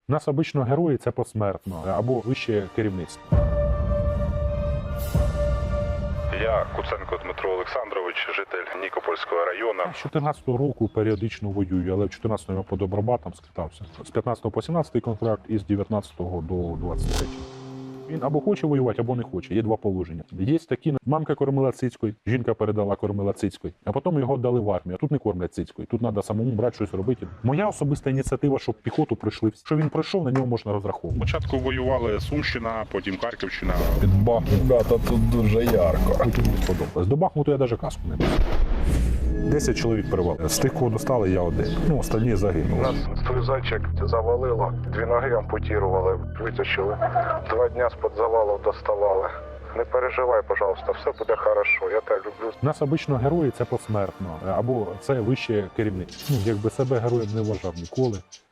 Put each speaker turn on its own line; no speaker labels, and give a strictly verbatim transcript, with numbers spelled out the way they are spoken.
У нас обично герої це посмертно або вище керівництво.
Я Куценко Дмитро Олександрович, житель Нікопольського району.
З чотирнадцятого року періодично воюю, але в чотирнадцятому я по добробатам скитався. З п'ятнадцятого по сімнадцятий контракт і з дев'ятнадцятого до двадцять третього. Він або хоче воювати, або не хоче. Є два положення. Є такі, мамка кормила цицькою, жінка передала кормила цицькою, а потім його дали в армію. А тут не кормлять цицькою. Тут треба самому брати щось робити. Моя особиста ініціатива, щоб піхоту пройшли. Що він пройшов, на нього можна розраховувати.
Спочатку воювали Сумщина, потім Харківщина.
Під Бахмутом тут дуже ярко.
Потім не сподобалось. До Бахмуту я навіть каску не брав. Десять чоловік перевали. З тих, кого достали, я один. Ну, останні загинули.
Нас струзачок завалило, дві ноги ампутірували, витащили. Два дня з-під завалу доставали. Не переживай, пожалуйста, все буде хорошо, я тебе люблю.
У нас обично герої це посмертно, або це вище керівництво. Ну, якби себе героєм не вважав ніколи.